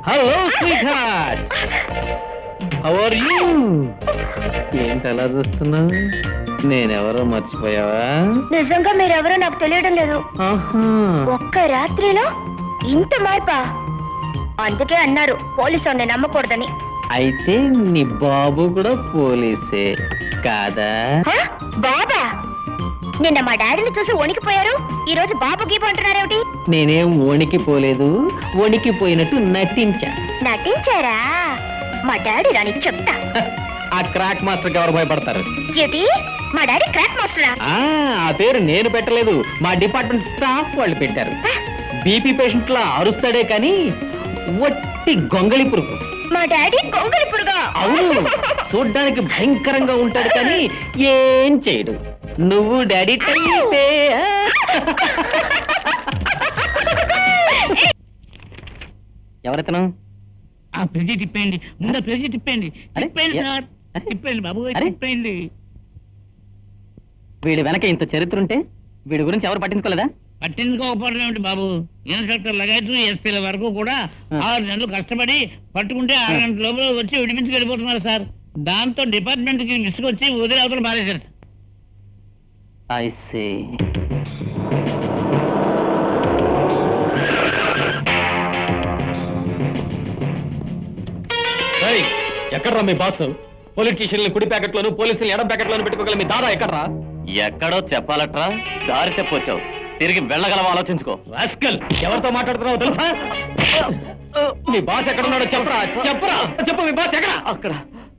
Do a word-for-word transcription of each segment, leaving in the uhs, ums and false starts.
Hello sweetheart, how are you? ఏంటి అలా చూస్తున్నావు? నేనెవరో మర్చిపోయావా? నిజంగా మీరెవరో నాకు తెలియడం లేదు. ఆహా. ఒక్క రాత్రిలో ఇంత మార్పా? అందుకే అన్నారు పోలీసు వాడిని నమ్మకూడదని. అయితే నీ బాబు కూడా పోలీసే కాదా? హ? బాబా? నిన్న మా డాడీని చూసి వణికిపోయారు, ఈ రోజు బాబు గీపు అంటున్నారేమిటి? నేనేం వణికిపోలేదు, వణికిపోయినట్టు నటించా. నటించారా? మా డాడీ రానికి చెప్తా. ఆ క్రాక్ మాస్టర్ ఎవరు భయపడతారు? ఏంటి, మా డాడీ క్రాక్ మాస్టరా? ఆ ఆ పేరు నేను పెట్టలేదు, మా డిపార్ట్మెంట్ స్టాఫ్ వాళ్ళు పెట్టారు. బీపీ పేషెంట్ లా అరుస్తాడే కానీ వట్టి గొంగళి పురుగు. మా డాడీ గొంగలి పురుగా? అవును, చూడ్డానికి భయంకరంగా ఉంటాడు కానీ ఏం చేయడు. నువ్వు డాడీ టైపే. ఎవరెతను? ఆ పేజీ తిప్పేయండి, ముందు పేజీ తిప్పేయండి. అరే, తిప్పేయండి ఏ- సార్, అరే, తిప్పేయండి బాబు, అరే. తిప్పేయండి. వీడి వెనక ఇంత చరిత్ర ఉంటే వీడి గురించి ఎవరు పట్టించుకోలేదా? పట్టించుకోకపోవడం ఏమిటి బాబు, ఇన్స్పెక్టర్ లగైట్ ఎస్పీల వరకు కూడా ఆ. ఆరు నెలలు కష్టపడి పట్టుకుంటే ఆరు గంటల లోపల వచ్చి విడిపించి వెళ్ళిపోతున్నారు సార్. దాంతో డిపార్ట్మెంట్ కి విసుకొచ్చి వదిలి అవతల మారేశారు. I see. ఎక్కడ్రా మీ బాస్? పొలిటీషియన్లు కుడి ప్యాకెట్లోను పోలీసులు ఎడం ప్యాకెట్లోను పెట్టుకోగల మీ దాదా ఎక్కడ్రా? ఎక్కడో చెప్పాలట్రా, దారి తెప్పొచ్చావు, తిరిగి వెళ్ళగలవా ఆలోచించుకో. రాస్కల్, ఎవరితో మాట్లాడుతున్నావు తెలుసా? మీ బాస్ ఎక్కడున్నాడో చెప్పరా, చెప్పరా, చెప్పు. మీ బాస్ ఎక్కడ? అక్కడ.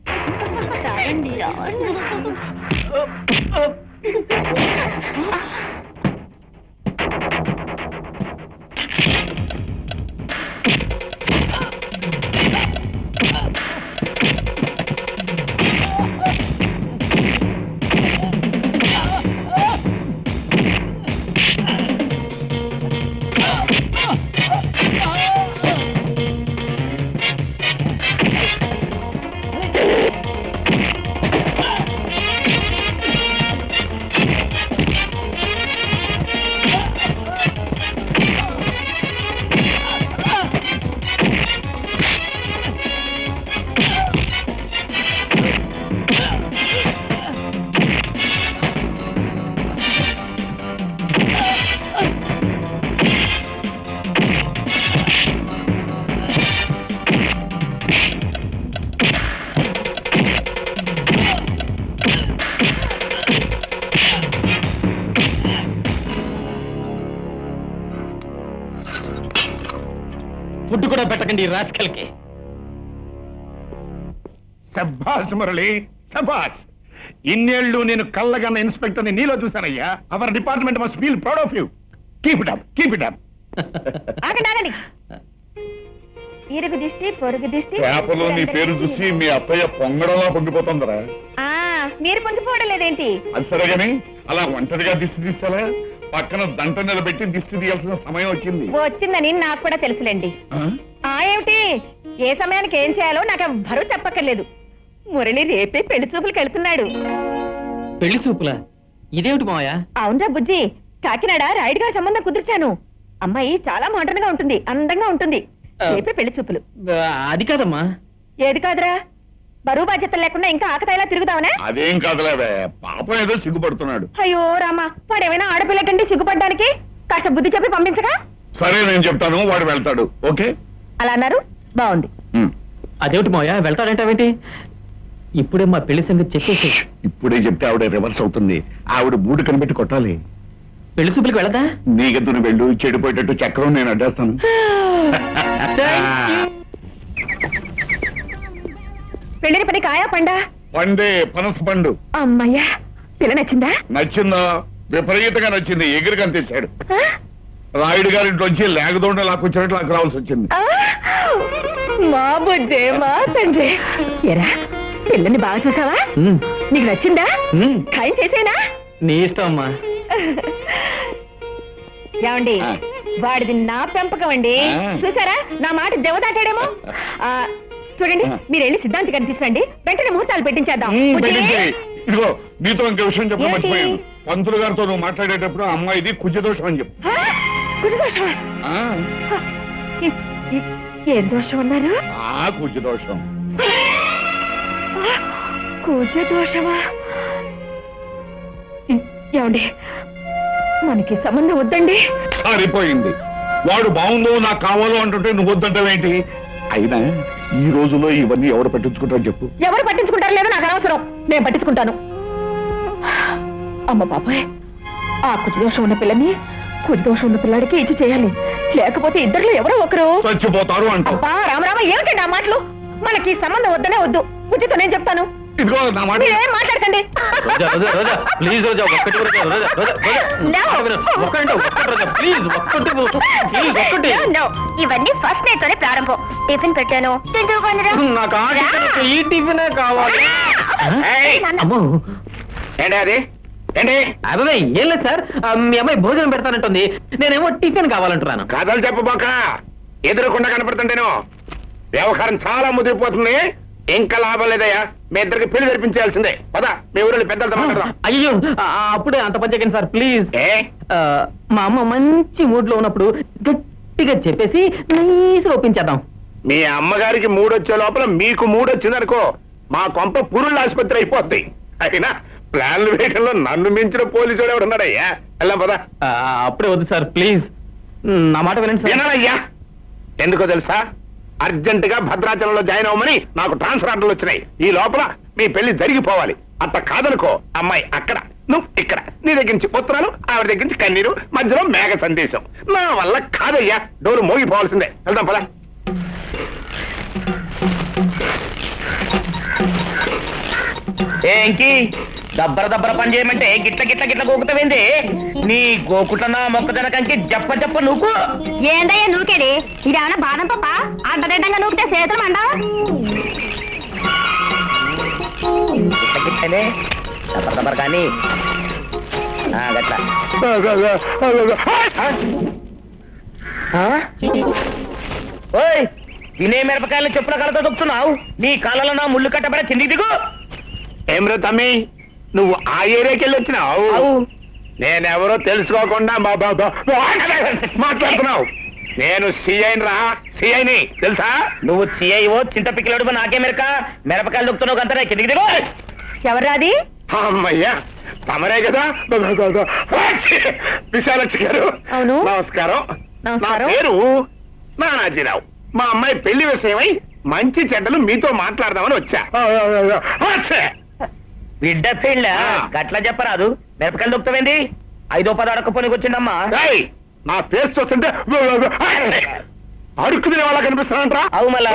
ఫుడ్ కూడా పెట్టకండి ఈ రాస్కల్కి. సభాష్ మురళి, సభాష్. ఇన్నేళ్లు నేను కళ్ళగన్న ఇన్స్పెక్టర్ ని నీలో చూశానయ్యా. Our department must feel proud of you. Keep it up, keep it up. ఆగండి ఆగండి, ఇరుగు దిష్టి పొరుగు దిష్టి. పేపర్లో నీ పేరు చూసి మీ అత్తయ్య పొంగడంలా పొంగిపోతుందరా. ఆ, మీరు పొంగిపోవడం లేదేంటి? అది సరే గాని అలా ఒంటరిగా దిష్టి తీస్తారా? పక్కన దంట నిలబెట్టి దిష్టి తీయాల్సిన సమయం వచ్చింది. వచ్చిందని నాకు కూడా తెలుసులేండి. ఆ? ఆ ఏమిటి, ఏ సమయానికి ఏం చేయాలో నాకు బరువు చెప్పక్కర్లేదు. మురళి రేపే పెళ్లి చూపులకు వెళ్తున్నాడు. పెళ్లి చూపులా? ఇదేమిటి మావయ్య? అవునరా బుజ్జి, కాకినాడ రాయుడు గారి సంబంధం కుదిర్చాను. అమ్మాయి చాలా మోడర్న్ గా ఉంటుంది, అందంగా ఉంటుంది. రేపే పెళ్లి చూపులు. అది కాదమ్మా. ఏది కాదురా, బరువు బాధ్యతలు లేకుండా ఇంకా ఆకతాయిలా తిరుగుదావనా? అదేం కాదులేవే, పాపం ఏదో సిగ్గుపడుతున్నాడు. అయ్యో రామా, వాడేమైనా ఆడపిల్ల కంటే సిగ్గుపడ్డానికి కాస్త బుద్ధి చెప్పి పంపించగా. సరే నేను చెప్తాను, వాడు వెళ్తాడు. ఓకే అలా అన్నారు, బాగుంది. ఉమ్. అదేమిటి మావయ్య, వెళ్తాడంటావేంటి? ఇప్పుడే మా పెళ్లి సంగతి చెప్పేసి. ఇప్పుడే చెప్తే ఆవిడ రివర్స్ అవుతుంది. ఆవిడ బూడు కనిపెట్టి కొట్టాలి. పెళ్లి చూపులకు వెళ్ళదా? నీకెత్తున వెళ్ళు, చెడిపోయేటట్టు చక్రం నేను అడ్డేస్తాను. పెళ్లిని పని కాయా పండా? పండే పనస పండు. అమ్మయ్యా, పిల్ల నచ్చిందా? నచ్చిందా? విపరీతంగా నచ్చింది. ఎగిరి కనిపించాడు. ఆ? రాయుడు గారింట్లోంచి లేకదోండ లాక్కొచ్చినట్టు నాకు రావాల్సి వచ్చింది. ఆ? మా బుజ్జే, మా తండ్రి. ఎరా, పిల్లని బాగా చూసావా? ఉమ్, నీకు నచ్చిందా? ఉమ్, ఖాయం చేసేనా? నీ ఇష్టం అమ్మా. ఏమండి, ఆ. వాడిది నా పెంపకం అండి. ఆ. చూసారా, నా మాట దెవదాటాడేమో. ఆ, చూడండి, ఆ. మీరు వెళ్ళి సిద్ధాంతి కనిపిస్తండి, వెంటనే ముహూర్తాలు పెట్టించేద్దాం. ఉమ్, బుజ్జి? పెట్టించే. ఇదిగో నీతో ఇంకో విషయం చెప్పడం ఏంటి? మర్చిపోయాను. పంతులు గారితో నువ్వు మాట్లాడేటప్పుడు ఆ అమ్మాయిది కుజదోషం అని చెప్పు. ఆ? కుజదోషమా? ఆ, ఆ, ఇ- ఇ- ఏం దోషం అన్నారు? ఆ కుజ దోషం. కూజ దోషమా? ఏమండి, మనకి సంబంధం వద్దండి. సరిపోయింది. వాడు బాగుందో నాకు కావాలో అంటుంటే నువ్వు వద్దంటావేంటి? అయినా ఈ రోజుల్లో ఇవన్నీ ఎవరు పట్టించుకుంటారో చెప్పు. ఎవరు పట్టించుకుంటారు లేదో నాకు అనవసరం, నేను పట్టించుకుంటాను. అమ్మ బాబాయ్, ఆ కుజదోషం ఉన్న పిల్లని కుజదోషం ఉన్న పిల్లాడికి ఇచ్చి చేయాలి, లేకపోతే ఇద్దరిలో ఎవరో ఒకరు చచ్చిపోతారు అంటావు. అబ్బా రామరామ, ఏమిటండి ఆ మాటలు? మనకి ఈ సంబంధం వద్దనే వద్దు. కుజితో నేను చెప్తాను, ఇదిగో నా మాట. మీరేం మాట్లాడకండి. రోజా, రోజా, రోజా, ప్లీజ్ రోజా, ఒక్కటి రోజా, రోజా, రోజా, రోజా. No. ఒక్కటి ఒక్కటి రోజా, ప్లీజ్ ఒక్కటి, ప్లీజ్ ఒక్కటి. No, no. ఇవన్నీ ఫస్ట్ నైట్ తోనే ప్రారంభం. టిఫిన్ పెట్టాను, తింటూ కొనరా. నాకు ఆ టిఫిన్, ఈ టిఫినే కావాలి. ఏయ్, అమ్మో, ఏంటి అది? ఏంటి అదే ఏం లేదు సార్, ఆ, మీ అమ్మాయి భోజనం పెడతానంటుంది, నేనేమో టిఫిన్ కావాలంటున్నాను. కథలు చెప్పబోక ఎదురుకుండా కనపడుతుంటేను వ్యవహారం చాలా ముదిరిపోతుంది. ఇంకా లాభం లేదయ్యా, మీ ఇద్దరికి పెళ్లి జరిపించాల్సిందే. పదా మీ ఊరిలో పెద్దలతో మాట్లాడదాం. అయ్యో, ఆ, అప్పుడే అంత పని చేయకండి సార్ ప్లీజ్. ఏ ఆ, మా అమ్మ మంచి మూడ్ లో ఉన్నప్పుడు గట్టిగా చెప్పేసి నైస్ ఒప్పించేద్దాం. మీ అమ్మగారికి మూడొచ్చే లోపల మీకు మూడొచ్చిందనుకో, మా కొంప పురుళ్ళ ఆసుపత్రి అయిపోద్ది. అయినా ప్లాన్లు వేయడంలో నన్ను మించిన పోలీసుడు ఎవడు ఉన్నాడయ్యా? వెళ్ళాం పదా. ఆ, అప్పుడే వద్దు సార్ ప్లీజ్, నా మాట వినండి సార్. వినాలయ్యా, ఎందుకో తెలుసా? అర్జెంట్ గా భద్రాచలంలో జాయిన్ అవ్వమని నాకు ట్రాన్స్ఫర్ ఆర్డర్లు వచ్చినాయి. ఈ లోపల మీ పెళ్లి జరిగిపోవాలి. అట్ట కాదనుకో, అమ్మాయి అక్కడ, నువ్వు ఇక్కడ. నీ దగ్గర నుంచి పుత్రాలు, ఆవిడ దగ్గర నుంచి కన్నీరు, మధ్యలో మేఘ సందేశం. నా వల్ల కాదయ్యా, డోరు మోగిపోవాల్సిందే. వెళ్దాం పదా. ఏంకి దబ్బర దబ్బర పని చేయమంటే గిట్ల గిట్ల గిట్ల గోకుతావేంది? నీ గోకుటనా మొక్కజనకంకి జప్ప జప్ప నువ్వు ఏందయ్యా నూకేది? ఇదేమన్నా బాదం పప్ప? అడ్డదిడ్డంగా నూకితే చేతులు మండ. గిట్ల గిట్లనే దబ్బర దబ్బర కానీ ఆ, గట్ల ఆ? ఓయ్, తినే మిరపకాయలు చెప్పుల కలతో దొక్కుతున్నావు. నీ కాళ్ళలో నా ముళ్ళు కట్టబడ కిందికి దిగు. ఏమ్రా తమ్మి, నువ్వు ఆ ఏరియాకి వెళ్ళి వచ్చినావు? అవు. నేనెవరో తెలుసుకోకుండా మా బాబా మాట్లాడుతున్నావు. నేను సిఐని రా, సిఐని తెలుసా? నువ్వు చేయవో చింత పిక్కలడుపు నాకే మెరక మిరపకాయలు దొక్కుతున్నావు అంతా కిందికి దిగు. ఎవరాది? అమ్మయ్యా, తమరే కదా విశాలక్షి గారు. అవును. నమస్కారం. నా నమస్కారం. పేరు నానాజీరావు. మా అమ్మాయి పెళ్లి విషయమై మంచి చెడ్డలు మీతో మాట్లాడదామని వచ్చా. వచ్చా. బిడ్డ పెళ్ళ ఆ. గట్ల చెప్పరాదు. మిరపకాయలు దొక్కుతావేంది? ఐదో పది అడకపోనికి వచ్చిందమ్మా. ఏయ్, నా ఫేస్ చూస్తుంటే అడుక్కు తినే వాళ్ళ కనిపిస్తానంటరా? అవు మళ్ళా.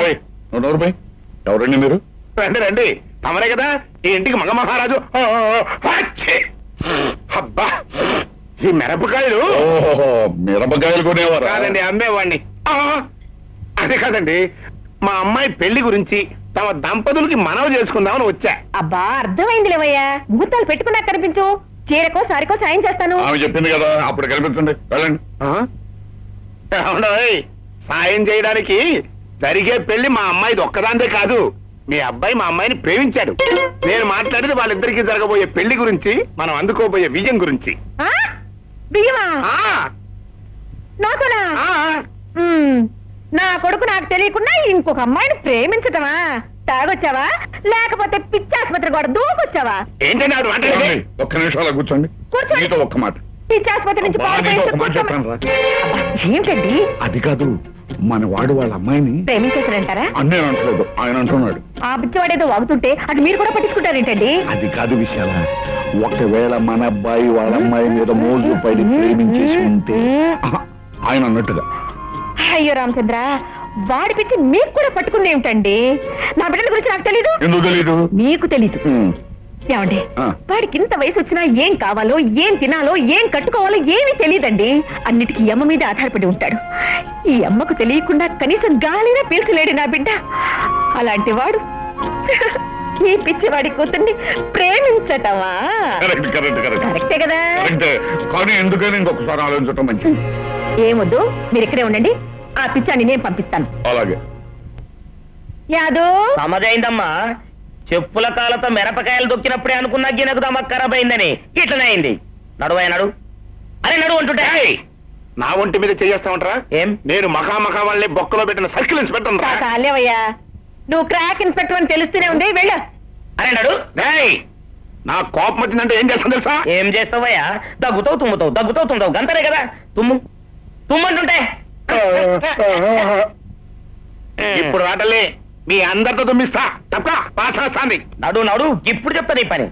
ఎవరండి మీరు? రండి రండి, తమరే కదా ఈ ఇంటికి మగ మహారాజు. అచ్చే. అబ్బా, ఈ మిరపకాయలు మిరపకాయలు కొనేవారు కాదండి, అమ్మేవాడిని. ఆ, అదే కాదండి, మా అమ్మాయి పెళ్లి గురించి తమ దంపతులకి మనవి చేసుకుందామని వచ్చా. అబ్బా అర్థమైంది లేవయ్యా, ముహూర్తాలు పెట్టుకున్నా కనిపించు. చీరకో సారికో సాయం చేస్తాను. ఆమె చెప్పింది కదా, అప్పుడు కనిపించండి, వెళ్ళండి. ఆ? ఏమండోయ్, సాయం చేయడానికి జరిగే పెళ్లి మా అమ్మాయిది ఒక్కదాందే కాదు. మీ అబ్బాయి మా అమ్మాయిని ప్రేమించాడు. నేను మాట్లాడేది వాళ్ళిద్దరికీ జరగబోయే పెళ్లి గురించి, మనం అందుకోబోయే విజయం గురించి. ఆ? బియ్యమా? ఆ నాకునా? ఆ, మ్మ్. నా కొడుకు నాకు తెలియకుండా ఇంకొక అమ్మాయిని ప్రేమించటమా? తాగొచ్చావా లేకపోతే పిచ్చి ఆసుపత్రి కూడా దూకొచ్చావా? ఏంటండి ఆవిడ మాట్లాడేది? ఏమండి? ఒక్క నిమిషాలు కూర్చోండి. కూర్చోండి. మీతో ఒక్క మాట. పిచ్చి ఆసుపత్రి నుంచి అబ్బా, పారిపోయి నీతో ఒక మాట కూర్చోమా- చెప్పాను రా. అబ్బా, ఏమిటండి అది కాదు, మన వాడు వాళ్ళ అమ్మాయిని ప్రేమించేసారంటారా? అన్నీ అంటలేదు, ఆయన అంటున్నాడు. ఆ పిచ్చివాడేదో వాగుతుంటే అది మీరు కూడా పట్టించుకుంటారేంటండి? అది కాదు విషయాల, ఒకవేళ మన అబ్బాయి వాళ్ళ అమ్మాయి మీద మోజు పడి ప్రేమించేసి ఉంటే ఆహా, ఆయన అన్నట్టుగా. అయ్యో రామచంద్ర, వాడి పిచ్చి మీకు కూడా పట్టుకుంది ఏమిటండి? నా బిడ్డల గురించి నాకు తెలీదు, ఎందుకు తెలీదు? మీకు తెలీదు. ఉమ్, ఏమండి, ఆ. వాడికి ఇంత వయసు వచ్చినా ఏం కావాలో ఏం తినాలో ఏం కట్టుకోవాలో ఏమీ తెలియదండి. అన్నిటికీ ఈ అమ్మ మీద ఆధారపడి ఉంటాడు. ఈ అమ్మకు తెలియకుండా కనీసం గాలినా పీల్చలేడు నా బిడ్డ. అలాంటి వాడు ఈ పిచ్చివాడి కూతుర్ని ప్రేమించటమా? కరెక్ట్ కరెక్ట్ కరెక్ట్ కరెక్టే కదా? కరెక్ట్. కానీ ఎందుకని ఇంకొకసారి ఆలోచించటం మంచిది. ఏమొద్దు, మీరు ఇక్కడే ఉండండి. ఆ పిచ్చాన్ని నేను పంపిస్తాను. అలాగే. యాదు, సమజైందమ్మా. చెప్పుల కాలతో మిరపకాయలు దొక్కినప్పుడే అనుకున్నా గినకు దమ్మ ఖరాబ్ అయిందని ఇట్లనే అయింది. నడువయ్య నడు. అరే నడు అంటుంటే. ఏయ్, నా ఒంటి మీద చేయేస్తా ఉంటారా ఏం? నేను మఖా మఖా వాళ్ళని బొక్కలో పెట్టిన సర్కిల్ ఇన్స్పెక్టర్ రా కాలేవయ్యా నువ్వు క్రాక్ ఇన్స్పెక్టర్ అని తెలుస్తూనే ఉంది వెళ్ళు అరే నడు డేయ్, నా కోపం వచ్చిందంటే ఏం చేస్తాను తెలుసా ఏం చేస్తావయ్యా దగ్గుతావు తుమ్ముతావు దగ్గుతావు తుమ్ముతావు గంతనే కదా తుమ్ము తుమ్మంటుంటే ఇప్పుడు రాటలే మీ అందరితో తుమ్మిస్తా తప్ప పాస్ వస్తాంది నడు నడు ఇప్పుడు చెప్తా నీ పని